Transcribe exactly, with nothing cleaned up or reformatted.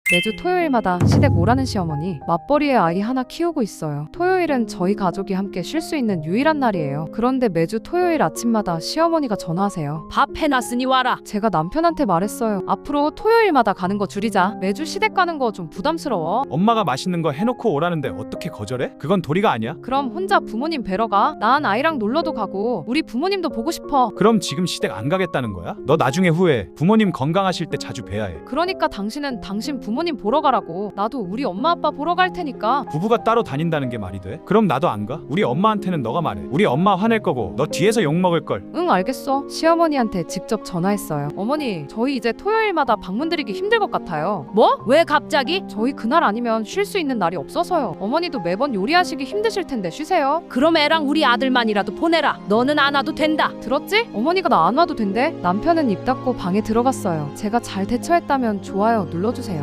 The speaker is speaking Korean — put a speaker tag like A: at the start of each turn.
A: 매주 토요일마다 시댁 오라는 시어머니, 맞벌이의 아이 하나 키우고 있어요. 토요일은 저희 가족이 함께 쉴 수 있는 유일한 날이에요. 그런데 매주 토요일 아침마다 시어머니가 전화하세요.
B: 밥 해놨으니 와라.
A: 제가 남편한테 말했어요. 앞으로 토요일마다 가는 거 줄이자. 매주 시댁 가는 거 좀 부담스러워.
C: 엄마가 맛있는 거 해놓고 오라는데 어떻게 거절해? 그건 도리가 아니야.
A: 그럼 혼자 부모님 뵈러 가. 난 아이랑 놀러도 가고 우리 부모님도 보고 싶어.
C: 그럼 지금 시댁 안 가겠다는 거야? 너 나중에 후회해. 부모님 건강하실 때 자주 뵈야 해.
A: 그러니까 당신은 당신 부모님 보러 가라고. 나도 우리 엄마 아빠 보러 갈 테니까.
C: 부부가 따로 다닌다는 게 말이 돼? 그럼 나도 안 가? 우리 엄마한테는 너가 말해. 우리 엄마 화낼 거고 너 뒤에서 욕 먹을 걸.
A: 응, 알겠어. 시어머니한테 직접 전화했어요. 어머니, 저희 이제 토요일마다 방문 드리기 힘들 것 같아요.
B: 뭐? 왜 갑자기?
A: 저희 그날 아니면 쉴 수 있는 날이 없어서요. 어머니도 매번 요리하시기 힘드실 텐데 쉬세요.
B: 그럼 애랑 우리 아들만이라도 보내라. 너는 안 와도 된다.
A: 들었지? 어머니가 나 안 와도 된대. 남편은 입 닫고 방에 들어갔어요. 제가 잘 대처했다면 좋아요 눌러주세요.